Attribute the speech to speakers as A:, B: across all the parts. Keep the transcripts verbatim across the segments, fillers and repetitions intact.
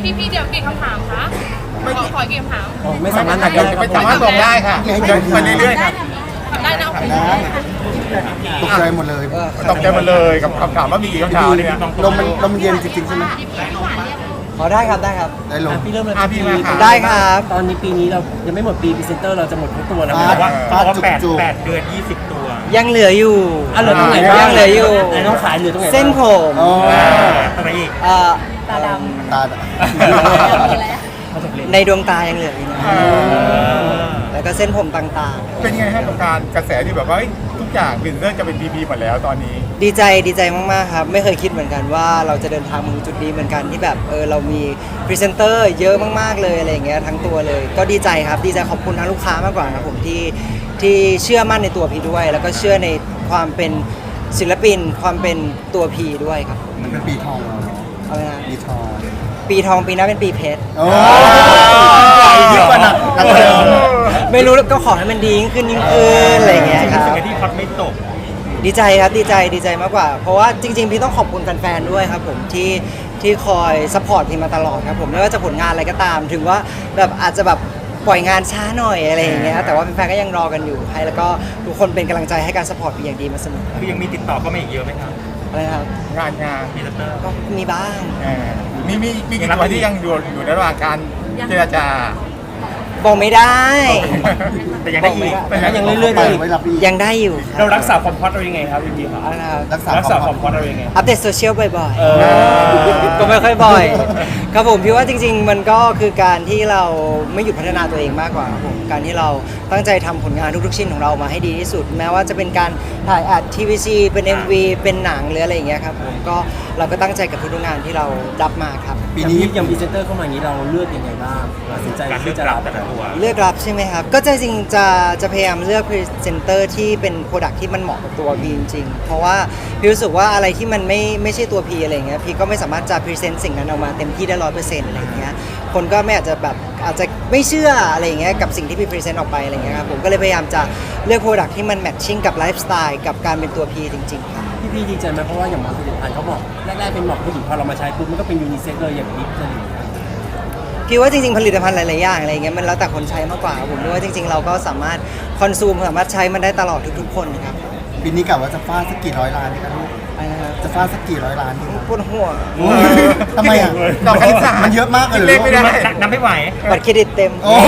A: พี่พี่เดี๋ยวกี่คำถามคะขอขอกี่คำถาม
B: ไม่สามารถตอบได้
C: ไม่สามารถตอบได้ค่ะเดินไปเรื่อยๆค่ะ
A: ทำได้นะโอเค
D: ตกใจหมดเลย
C: ตอบใจมาเลยกับคำถามว่ามีกี่คำถามเนี่ย
D: ลมมันลมเย็นจริงๆใช่ไหม
B: ขอได้ครับได้ครับ
D: ได้ลม
E: อ่ะพี่เริ่มเลย
C: อ่ะพี่มาค่ะ
B: ได้ครับ
E: ตอนนี้ปีนี้เรายังไม่หมดปีพรีเซนเตอร์เราจะหมดทั้งตัวแล้ว
D: ฟา
E: นะ
D: ด
E: ว่า
D: ฟาด
C: ว่า
D: จุก
C: แปด
D: จุก
C: แปดเดือนยี่สิบตัว
B: ยังเหลืออยู่
E: อ่ะเหลือตรงไหน
B: ยั
E: บ้าง
B: งเหลืออยู่
E: ไหนต้องขายเหลือตรงไหนบ้าง
B: เส้นผม
D: อ๋อ
C: อะไรอีก
B: เอ่อ
A: ตาด
D: ตา
E: เขาจะเล่น
B: ในดวงตายังเหลืออยู่นะแล้วก็เส้นผมต่าง
C: เป็นไงฮะกับการกระแสที่แบบว่าเอ้ยทุกอย่างบินเริ่มจะเป็นพีพีหมดแล้วตอนนี้
B: ๆ ดีใจดีใจมากๆครับไม่เคยคิดเหมือนกันว่าเราจะเดินทางมาถึงจุดนี้เหมือนกันที่แบบเออเรามีพรีเซนเตอร์เยอะมากๆเลยอะไรอย่างเงี้ยทั้งตัวเลย ก็ดีใจครับดีใจขอบคุณทางลูกค้ามากกว่าครับผมที่ที่เชื่อมั่นในตัวพีด้วย แล้วก็เชื่อในความเป็นศิลปินความเป็นตัวพีด้วยครับ
D: มันเป็นปีทองเราเนาะ
B: เอาไงนะ
D: ปีทอง
B: ปีทองปีหน้าเป็นปีเพชร
D: โอ้ยเยอะกว่านักนักเดิม
B: ไม่รู้ก็ขอให้มันดียิ่งขึ้นยิ่งขึ้นอะไรอย่างเงี้ยครับ
C: รู้สึกที่พัดไม่ตก
B: ดีใจครับดีใจดีใจมากกว่า เพราะว่าจริงๆพี่ต้องขอบคุณแฟนๆด้วยครับผมที่ที่คอยซัพพอร์ตพี่มาตลอดครับผมไม่ว่าจะผลงานอะไรก็ตาม ถึงว่าแบบอาจจะแบบปล่อยงานช้าหน่อยอะไรอย่างเงี้ยแต่ว่าแฟนๆก็ยังรอกันอยู่ให้แล้วก็ทุกคนเป็นกำลังใจให้การซัพพอร์ตพี่อย่างดีมาเสมอ
C: คือยังมีติดต่อก็ไม่อีกเยอะไหมครับ
B: อะไรนะครับ
C: งานงานพรีเซนเตอร์
B: ก็มีบ้าง
C: มีมีมีกี่ตัวที่ยังอยู่อยู่ในระหว่างการเจรจา
B: บอกไม่ได้
C: แต่ยังได้อีก
E: แต่ก็ยังเรื่อยๆ
D: ไป
E: ได้อีก
D: ไว้รับอีก
B: ยังได้อยู่ค
E: เรา
B: รับ
E: รักษาความฮอตเรายังไงครับพี่พีครับ
B: เอาละครับ
D: รักษา
E: รักษาความ
D: ค
E: ฮ
D: วาม
E: อตเรายังไง
B: อัปเดตโซเชียลบ่อย
E: เอ
B: ๆ
E: อ
B: ก็ไม่ค่อยบ่อย ครับผมพี่ว่าจริง ๆ มันก็คือการที่เราไม่หยุดพัฒนาตัวเองมากกว่าครับผมการที่เราตั้งใจทำผลงานทุกๆชิ้นของเรามาให้ดีที่สุด แม้ว่าจะเป็นการถ่ายอัดทีวีซีเป็น เอ็ม วี เป็นหนังหรืออะไรอย่างเงี้ยครับผมก็เราก็ตั้งใจกับทุกๆงานที่เรารับมาครับ
D: ปี
E: อย่าง
D: นี้
E: นี้อย่างพรีเซนเตอร์เข้ามาอย่างนี้เราเลือกยังไงบ้างตัดสินใจที่จะรับแต่ละตัว
B: เลือกรับใช่ไหมครับ ก็จะจริงจะจะพยายามเลือกพรีเซนเตอร์ที่เป็นโปรดักที่มันเหมาะกับตัวพีจริงๆเพราะว่าพี่รู้สึกว่าอะไรที่มันไม่ไม่ใช่ตัวพีอะไรเงี้ยพี่ก็ไม่สามารถจะพรีเซนต์สิ่งนั้นออกมาเต็มที่ได้ร้อยเปอร์เซ็นต์อะไรเงี้ยคนก็ไม่อาจจะแบบอาจจะไม่เชื่ออะไรเงี้ยกับสิ่งที่พี่พรีเซนต์ออกไปอะไรเงี้ยครับผมก็เลยพยายามจะเลือกโปรดักที่มันแมทชิ่งกับไลฟ์สไตล์กับการเป็นตัวพีจริงๆครับ
E: พี่พีดีใจไหมเพราะว่าอย่างบางผลิตภัณฑ์เขาบอกแรกๆเป็นหมอกผู้หญิงพอเรามาใช้ปุ๊บมันก็เป็นยูนิเซ็กเลยอย่างลิปอะไรอย่างเงี้ย
B: พี่ว่าจริงๆผลิตภัณฑ์หลายๆอย่างอะไรเงี้ยมันแล้วแต่คนใช้มากกว่าครับผมด้วยว่าจริง ๆ เราก็สามารถคอนซูมสามารถใช้มันได้ตลอดทุกๆคนนะครับ
D: ปีนี้กะว่าจะฟาดสักกี่ร้อยล้านดีครับลูก
B: อะไรนะครับ
D: จะฟาดสักกี่ร้อยล้านดีครับ
B: ปวดหัว
D: ทำไมอ่ะ
C: ดอกคณิตศาสตร์
D: มันเยอะมากเลยเหรอ
C: เลขไม่ได้นับไม่ไหว
B: บัตรเครดิตเต็ม
D: โอ้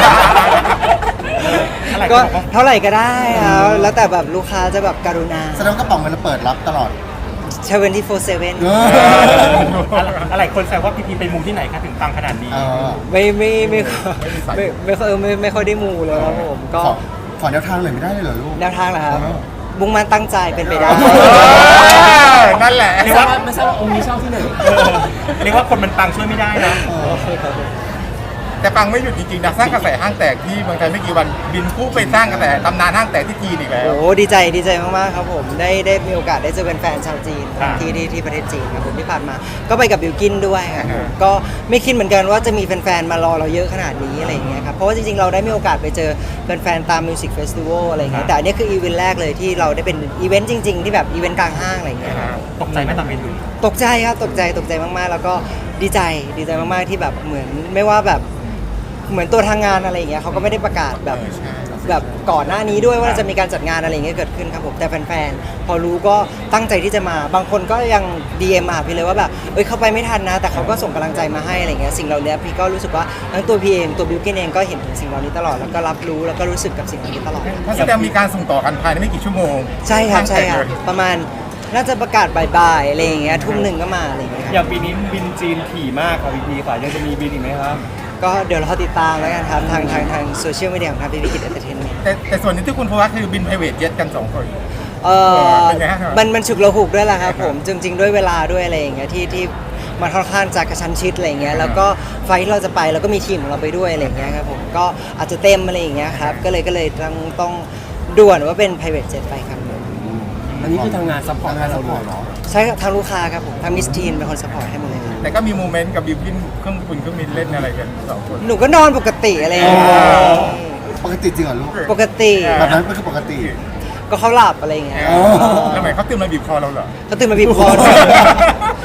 B: ก็เท่าไหร่ก็ได้ครับแล้วแต่แบบลูกค้าจะแบบกรุณา
D: แสดงว่ากระเป๋าเงินเราเปิดรับตลอด
B: ใช้เวนที่โฟร์เซเว่น
D: เออ
C: อะไรคนแซวว่าพีพีไปมุมที่ไหนคะถึงตังขนาดนี้
D: เออ
B: ไม่ไม่ไม่ไม่ไม่ค่อยไม่ไม่ค่อยได้มูเลยครับผมก็
D: ขอขอแนวทางหน่อยไม่ได้เลยเหรอลูก
B: แนวทางเหรอครับ
D: เออ
B: มุ่งมั่นตั้งใจเป็นไปได้
D: เอ
C: นั่นแหละ
E: ไม่ทราบว่าไม่ทราบว่าองค์นี้ชอบที่ไหน
C: เรียกว่าคนมันปังช่วยไม่ได้นะ
D: เออ
C: แต่ปังไม่หยุดจริงๆนะสร้างกระแสห้างแตกที่เมืองไทยไม่กี่วันบินคู่ไปสร้างกระแสตำนานห้างแตกที่จีนอีกแล้ว
B: โอ้ดีใจดีใจมากๆครับผมได้ได้มีโอกาสได้เจอแฟนๆชาวจีน
C: อ่า
B: ที่ที่ที่ประเทศจีนครับผมที่ผ่านมา ก็ไปกับบิวกินด้วยครับ
C: อ่า
B: ก็ไม่คิดเหมือนกันว่าจะมีแฟนๆมารอเราเยอะขนาดนี้อะไรอย่างเงี้ยครับเพราะว่าจริงๆเราได้มีโอกาสไปเจอแฟนๆตามมิวสิกเฟสติวัลอะไรอย่างเงี้ยแต่อันนี้คืออีเวนต์แรกเลยที่เราได้เป็นอีเวนต์จริงๆที่แบบอีเวนต์กลางห้างอะไรอย่างเงี้ย
C: ตกใจไหมตอนบินอยู่
B: ตกใจครับตกใจตกใจมากๆ แล้วก็ดีใจดีใจมากๆที่แบบเหมือนไม่ว่าแบบเหมือนตัวทางงานอะไรอย่างเงี้ยเขาก็ไม่ได้ประกาศแบบ
C: เออใช่
B: แบบก่อนหน้านี้ด้วยว่าจะมีการจัดงานอะไรอย่างเงี้ยเกิดขึ้นครับผมแต่แฟนๆพอรู้ก็ตั้งใจที่จะมาบางคนก็ยัง ดี เอ็ม มาหาพี่เลยว่าแบบเอ้ยเข้าไปไม่ทันนะ แต่เขาก็ส่งกำลังใจมาให้อะไรเงี้ยสิ่งเหล่านี้พี่ก็รู้สึกว่าทั้งตัวพี่เองตัวบิวกินเองก็เห็นถึงสิ่งเหล่านี้ตลอดแล้วก็รับรู้แล้วก็รู้สึกกับสิ่งเหล่านี้ตลอด
C: ถ้าแสดงมีการส่งต่อกันภายในไม่กี่ชั่วโมง
B: ใช่ครับใช่ครับ
C: ห้างแตกเลย
B: ประมาณน่าจะประกาศบ่ายๆอะไรอย่างเงี้ยทุ่มหนึ่งก็มาอะไรอย่างเงี้ยครับ
E: อย่างปีนี้บินจีนถี่มากครับพี่พีค่ะยังจะมีบินอีกไหมครับ
B: ก็เดี๋ยวเราติดตามแล้วกันครับทางทางทางโซเชียลมีเดียของทางพีพีกิจเอนเตอร์เทนเมนต์
C: แต่แต่ส่วนหนึงที่คุณโฟกัสคือบินไพรเวทเจ็ตกันสองคน
B: เออ
C: เป็นไงฮะ
B: มันมันฉุกระหุกด้วยแหละครับผมจริง ๆ ด้วยเวลาด้วยอะไรอย่างเงี้ยที่ที่มันค่อนข้างจะกระชั้นชิดอะไรอย่างเงี้ยแล้วก็ไฟล์ที่เราจะไปแล้วก็มีทีมของเราไปด้วยอะไรอย่างเงี้ยครับผมก็อาจจะเต็มอะไรอย่างเงี้ยครับก็เลยก็เลยต้องต้องด่วนว่าเป็น private jet ไปครับ
E: อันนี้คือทำงานซัพพอร์ตให้เราด้วย
D: เหรอ
B: ใช่ครับทางลูกค้าครับผมทางมิสทีนเป็นคนสปอร์ตให้หมดเลยครับ
C: แต่ก็มีโมเมนต์กับบิวกินเครื่องบินเครื่องบินเล่นอะไรกันสองคน
B: หนูก็นอนปกติอะไรอย่างเงี้ย
D: ปกติจริงเหรอลูก
B: ปกติ
D: แบบนั้นก็คือปกติ
B: ก็เขาหลับอะไรอย่างเงี้ย
D: อ๋อ
C: แล้วทำไมเขาตื่นมาบีบคอเราเหรอ
B: เขาตื่นมาบีบคอด้วย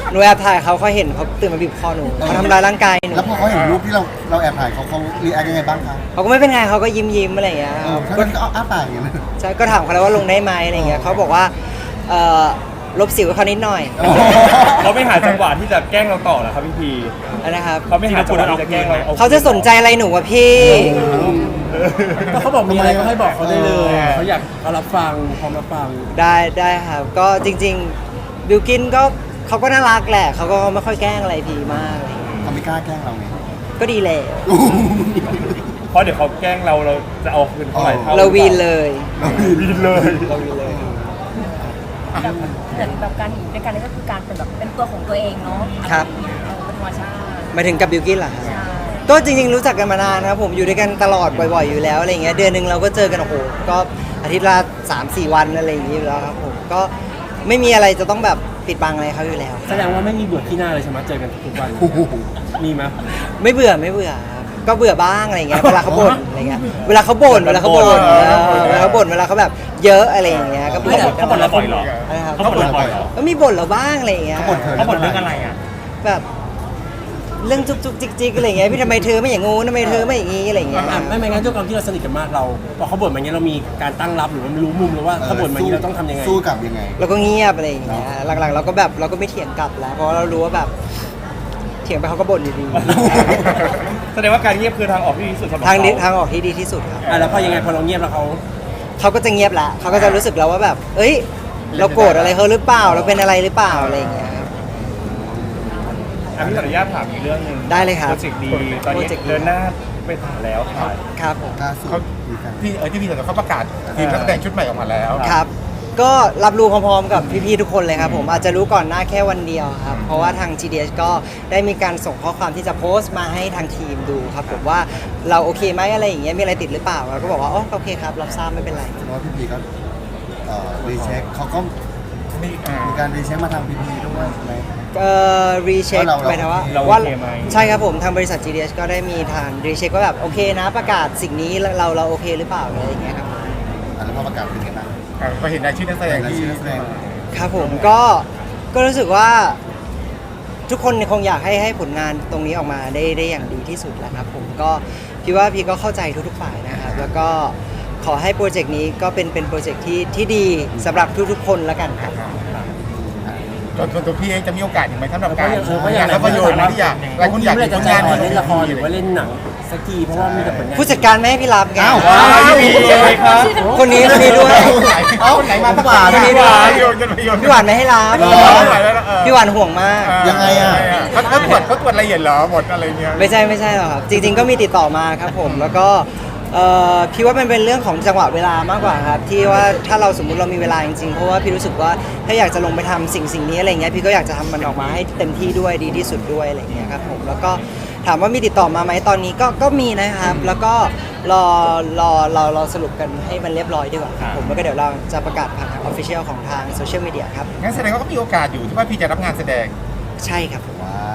B: หนูแอบถ่ายเขาเขาเห็นเขาตื่นมาบีบคอหนูเขาทำร้ายร่างกายหนู
D: แล้วพอเขาเห็นรูปที่เราเราแอบถ่ายเขาเขารีแอคยังไงบ้างคะ
B: เขาก็ไม่เป็นไงเขาก็ยิ้มยิ้มๆอะไรอย่างเงี้ย
D: เออ
B: ก็
D: เขาก็อ้าปากอย่างเงี้ย
B: ใช่ก็ถามเขาแล้วว่าลงได้ไหมอะไรอย่างเงี้ยเขาบอกว่าเอ่อลบสิวให้เขานิดหน่อย
F: เขาไม่หาจังหวะที่จะแกล้งเราต่อเหรอครับพี่พี
B: นะครับ
F: เขาไม่หาจังหวะที่จะแกล้งเรา
B: เขาจะสนใจอะไรหนูวะพี่
E: ก็เขาบอกมีอะไรก็ให้บอกเขาได้เลยเขาอยากเขารับฟังพร้อมรับฟัง
B: ได้ได้ครับก็จริงๆบิวกินก็เขาก็น่ารักแหละเขาก็ไม่ค่อยแกล้งอะไรพีมากอะไรอย่างเงี้ย
D: เขาไม่กล้าแกล้งเราไง
B: ก็ดีแล้ว
F: เพราะเดี๋ยวเขาแกล้งเราเราจะเอาคืนเท่าไหร่เท่า
B: เราวีนเลย
F: วีนเลย
B: เราวีนเลย
A: เหมือนแบบการอยู่ด้วยกันนี่ก็คือการเป็นแบบเป็นตัวของตัวเองเนาะ
B: ครับ
A: เออเป็นธรรมชาติ
B: หมายถึงกับบิวกินเหรอครับ
A: ใช่
B: ก็จริงๆรู้จักกันมานานนะครับผมอยู่ด้วยกันตลอดบ่อยๆอยู่แล้วอะไรเงี้ยเดือนหนึ่งเราก็เจอกันโอ้โหก็อาทิตย์ละสามสี่วันอะไรอย่างงี้อยู่แล้วครับผมก็ไม่มีอะไรจะต้องแบบปิดบังอะไรเขาอยู่แล้ว
E: แสดงว่าไม่มีเบื่อที่หน้าเลยใช่ไหมเจอกันทุกวัน
D: โอ้โห
E: มีไหม
B: ไม่เบื่อไม่เบื่อครับก็เบื่อบ้างอะไรเงี้ยเวลาเขาบ่นอะไรเงี้ยเวลาเขาบ่นเวลาเขาบ่นเออเวลาเขาบ่นเวลาเขาแบบเยอะอะไรอย่างเงี้ยก็
E: ไม่แต่เขาบ่นเราบ่อยเหรอ
B: นะครับ
F: เขาบ่นเราบ่อยเหรอ
B: ก็มีบ่นเราบ้างอะไรอย่างเงี้ย
D: เขาบ่นเธอ
F: เขาบ่นเรื่องอะไรอ่ะ
B: แบบเรื่องจุกจุกจิกจิกอะไรอย่างเงี้ยพี่ทำไมเธอไม่อย่างงู้นทำไมเธอไม่อย่างงี้อะไรอย่างเงี้ย
E: อ่ะไม่ไม่งั้นด้วยความที่เราสนิทกันมากเราพอเขาบ่นมาอย่างเงี้ยเรามีการตั้งรับหรือว่ารู้มุมหรือว่าเขาบ่นมาอย่างเงี้ยเราต้องทำยังไง
D: สู้กลับยังไง
B: เราก็เงียบอะไรอย่างเงี้ยหลังๆเราก็แบบเราก็ไม่เถียงกลับแล้วเพราะเรารู้ว่าแบบเถียงไปเขาก็บ่นอยู่ดี
F: แสดงว่าการเงียบคือทางออกที่ดีที่สุดสำหรับ
B: ทางนี้
F: เข
B: ทางออกที่ดีที่สุดครับ
E: อ่ะแล้วพอยังไงพอเราเงียบแล้วเขา
B: เขาก็จะเงียบละเขาก็จะรู้สึกแล้วว่าแบบ เอ้ย เราโกรธอะไรเขาหรือเปล่า เราเป็นอะไรหรือเปล่าอะไรอย่างเงี้ยครับ
F: อ่ะพี่ขออนุญาตถามอีกเรื่องหนึ่ง
B: ได้เลยครับ
F: โปรเจกต์ดีตอนนี้
B: โปรเจกต์ดี
F: เดินหน้าไปถึงแล้วครับ
B: ครับผม
D: ล่าสุด
C: เขา
D: มีการ
C: ที่เออที่พี่เห็นเขาประกาศทีมนักแสดงชุดใหม่ออกมาแล้ว
B: ครับ ก็รับรู้พร้อมๆกับพี่ๆทุกคนเลยครับผมอาจจะรู้ก่อนหน้าแค่วันเดียวครับ เพราะว่าทาง จี ดี เอส ก็ได้มีการส่งข้อความที่จะโพสต์มาให้ทางทีมดูครับผมว่าเราโอเคไหมอะไรอย่างเงี้ยมีอะไรติดหรือเปล่าเราก็บอกว่าอ๋อโอเคครับรับทราบไม่เป็นไร
D: เพราะว่าพี่พีก็เอ่อรีเช็คเขาก็
C: มีอ่า
D: มีการรีเช็คมาทางพีพีด้วยใช่ไหม
B: เอ่อรีเช็ค
D: ว่าเรา
B: หมายถึงว่า
F: เรา
B: ว่า
F: โอเคไหม
B: ใช่ครับผมทางบริษัท จี ดี เอส ก็ได้มีทางรีเช็คว่าแบบโอเคนะประกาศสิ่งนี้เราเราโอเคหรือเปล่าอะไรอย่างเงี้ยครับ
D: อันนั้นพอประกาศเป็นไงบ้าง
C: อ่าพอเห็นรายชื่อนักแสดงที่
D: รายชื่อนักแสดง
B: ครับผมก็ก็รู้สึกว่าทุกคนคงอยากให้ให้ผลงานตรงนี้ออกมาได้ได้อย่างดีที่สุดแหละครับผมก็พี่ว่าพี่ก็เข้าใจทุกๆฝ่ายนะครับแล้วก็ขอให้โปรเจกต์นี้ก็เป็นเป็นโปรเจกต์ที่ที่ดีสำหรับทุกๆคนแล้วกันครับ
C: จนตัวพี่เองจะมีโอกาสอีกไหมสำหรับการ
E: เออเพราะอย่าง
C: ภาพยนตร์ที่อยากหลายคนอยาก
E: เมื่อไหร่จะ
C: ผล
E: ใจ
C: งาน
E: อ่อนเล่นละครหรือว่าเล่นหนังสักทีเพราะว่ามีแต่ผลงาน
B: ผู้จัดการไม่ให้พี่รับไง
D: อ้าว
C: ว้าวพี่เลยครับ
B: คนนี้คนนี้ด้วย
C: เอ้าคนไหนมาตั้ง
D: หวาน
C: คนนี้
B: ด้
C: ด้
B: ว
C: วย ยโยนกันไปโยน
B: พี่หวานไม่ให้รับ
D: เหรอ
B: พี่หวานห่วงมาก
D: ยังไงอะ
C: เขาเขาตรวจเขาตรวจละเอียดเหรอหมดอะไรเงี้ย
B: ไม่ใช่ไม่ใช่หรอกครับ จริง ๆ ก็มีติดต่อมาครับผมแล้วก็เอ่อพี่ว่ามันเป็นเรื่องของจังหวะเวลามากกว่าครับที่ว่าถ้าเราสมมุติเรามีเวลาจริงๆเพราะว่าพี่รู้สึกว่าถ้าอยากจะลงไปทำสิ่งสิ่งนี้อะไรเงี้ยพี่ก็อยากจะทำมันออกมาให้เต็มที่ด้วยดีที่สุดด้วยอะไรเงี้ยครับผมแล้วก็ถามว่ามีติดต่อมาไหมตอนนี้ก็ก็มีนะครับ แล้วก็รอรอเราเราสรุปกันให้มันเรียบร้อยดีกว่าครับผมแล้วก็เดี๋ยวเราจะประกาศผ่านทางออฟฟิเชียลของทางโซเชียลมีเดียครับ
C: งั้นแสดงว่าก็มีโอกาสอยู่ที่ว่าพี่จะรับงานแสดง
B: ใช่ครับผม
D: ว้าว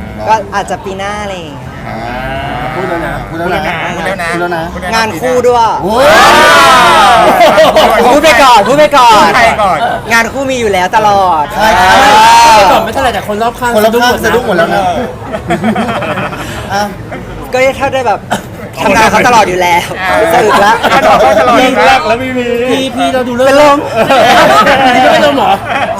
B: ก็อาจจะปีหน้าอะไรอย่างเงี้ย
D: อ่า
E: พูดแล้วนะ
D: พูดแล้วนะ
C: พูดแล้วนะ
D: พูดแล้วนะ
C: พูดแล้วะ
B: งานคู่ด้วย
D: โอ้ย
B: พูดไปก่อนพูดไปก่อน
C: ใครก่อน
B: งานคู่มีอยู่แล้วตลอด
D: ใช่ครับ
E: พูดก่อนไม่เท่าไหร่แต่คนรอบข้าง
D: คนละข้างสะดุ้งหมดแล้วนะ อ่ะ
B: ก็ถ้าได้แบบทำงานเขาตลอดอยู่แล้ว
C: อ่า
B: สรุปแล้ว
C: งานของเขาตลอดอยู่แล้ว
F: แล้วไม่มี
E: พี่พี่เราดูเรื่อง
B: เป็นลม
E: พี่ไม่เป็นลมเหรอ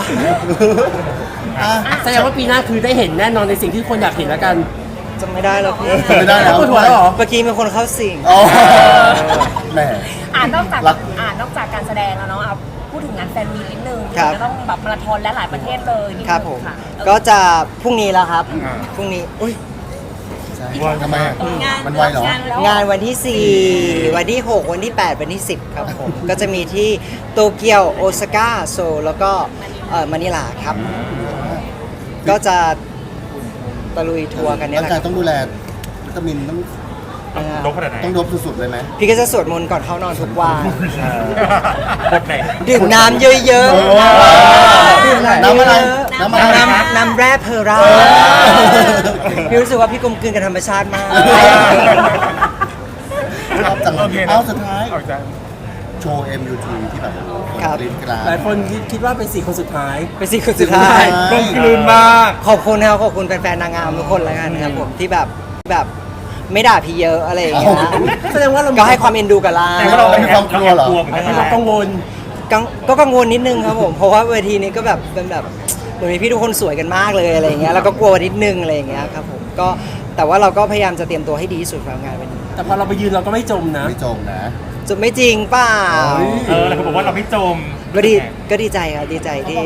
D: อ่ะ
E: แสดงว่าปีหน้าคือได้เห็นแน่นอนในสิ่งที่คนอยากเห็นแล้วกัน
B: จำไม่ได้แล้วพี่
D: จำไม่ได้แล้ว
E: ปวดหัวแล้วเหรอ
B: เมื่อกี้มีคนเข้าสิง
D: อ๋อแหม
A: อ่านนอกจาก
D: รัก
A: อ่านนอกจากการแสดงแล้วเนาะเอาพูดถึงงานแฟนมีตนิดนึง
B: ครับ
A: จะต้องแบบมาราธอนและหลายประเทศเลยนิดนึง
B: ครับผม
A: ะเออ
B: ก็จะพรุ่งนี้แล้วครับ
C: อ่า
B: พรุ่งนี้อุ้ย
D: ใช่ทำไมอ่ะ
A: งาน
D: มันไวเหรอ
A: งานแล้ว
B: งานวันที่ สี่ วันที่ หก วันที่ แปด วันที่ สิบ ครับผม ก็จะมีที่โตเกียวโอซาก้าโซลแล้วก็เอ่อมะนิลาครับ ก็จะตะลุยทัวร์กันเนี่ย
D: ร่าง
B: แหละ
D: กายต้องดูแลวิตามินต้อง
B: นะครับ
F: ลบขนาดไหน
D: ต้องดบสุดๆเลยไหม
B: พี่ก็จะสวดมนต์ก่อนเข้านอนทุกวัน
F: บทไหน
B: ดื่มน้ำเยอะ
D: โอ้
B: ๆดื่ม
D: น้ำอะไร
B: เยอะๆ
D: น้ำอะไร
B: น้ำน้ำแร่เพอร่าพี่รู้สึกว่าพี่กลมกลืนกับธรรมชาติมาก
D: ชอบจังเล
C: โอย เคนะ
D: เอาสุดท้าย
C: เอาจาก
D: โชว์ เอ็ม ยู ที ที่แบบคน
B: ครับ
D: กรี๊ดกราด
E: หลายคนคิดว่าเป็นสี่คนสุดท้าย
B: เป็นสี่คนสุดท้าย
D: ใช่
F: กลมกลืนมาก
B: ขอบคุณครับขอบคุณแฟนๆนางงามทุกคนแล้วกันครับผมที่แบบแบบไม่ด่าพี่เยอะอะไรอย่างเงี้ย
E: แสดงว่าเรา
B: ก็ให้ความเอ็นดูกับเรา
F: แต่ว่าเรา
D: มีความกลัวเหรอ
F: กลัวเหมือนกัน
E: เรา
F: นะ
E: กังวล
B: กังก็กังวลนิดนึงครับผมเพราะว่าเวทีนี้ก็แบบเป็นแบบเหมือนมีพี่ทุกคนสวยกันมากเลยอะไรอย่างเงี้ยแล้วก็กลัวนิดนึงอะไรอย่างเงี้ยครับผมก็แต่ว่าเราก็พยายามจะเตรียมตัวให้ดีที่สุดสำหรับงานวันนี้
E: แต่พอเราไปยืนเราก็ไม่จมนะ
D: ไม่จมนะ
B: จะไม่จริงเปล่า
D: เฮ้ย
F: เออแล้วเขาบอกว่าเราไม่จม
B: ก็ดีก็ดีใจครับดีใจที่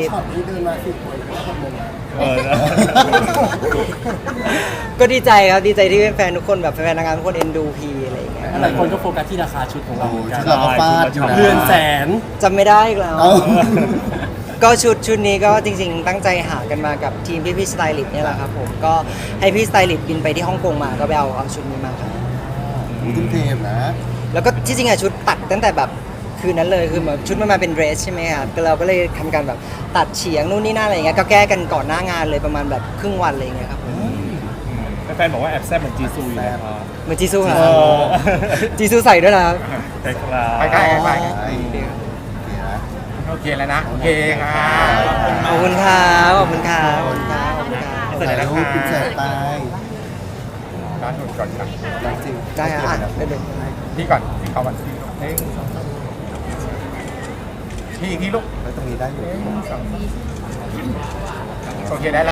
F: เออ
B: ก็ดีใจครับดีใจที่แฟนๆทุกคนแบบแฟนๆนางงามทุกคนเอ็นดูพีอะไรอย่างเงี้ย
E: หลายคนก็โฟกัสที่ราคาชุดของเราเหมือนกัน
D: เราก็ฟาดอยู่นะ
E: เรือนแสน
B: จำไม่ได้อีกแล้ว
D: เอ้า
B: ก็ชุดชุดนี้ก็จริงๆ ตั้งใจหากันมากับทีมพี่พี่สไตลิสต์เนี่ยแหละครับผมก็ให้พี่สไตลิสต์บินไปที่ฮ่องกงมาก็ไปเอาเอาชุดนี้มาครับ
D: ทุ่มเทมนะ
B: แล้วก็ที่จริงอะชุดตัดตั้งแต่แบบคืนนั้นเลยคือแบบชุดมันมาเป็นเดรสใช่ไหมครับก็เราก็เลยทำการแบบตัดเฉียงนู่นนี่นั่นอะไรอย่างเงี้ยก็แก้กันก่อนหน้างานเลยประมาณแบบครึ่งวันอะไรอย่างเงี้ยครับผม
F: แฟนๆบอกว่าแอบแซ่บเหมือนจีซูอยู่นะครับ
B: เหมือนจีซูครั
F: เอบ อ
B: จีซูใส่ด้วยนะครับ
F: ใช่ครับ
C: ไปใกล้ไป
D: ใช่โอเคนะ
C: โอเคแล้วนะ โอเคค่ะ
B: ขอบคุณครับขอบคุณครับขอบคุณครับขอบคุณครับ
F: เสร็จแล้ว
D: ถ่ายรูปคุณแสบตาย
C: ร้านหนุนก่อนครับ
D: จริง
B: ได้ครับอ่ะได้เลย
C: พี่ก่อนพี่เขาวันที่ลูกหนึ่งสองสามพี่อีกทีลูก
D: แล้วตรงนี้ได้อยู่
C: โอเคได้แล้ว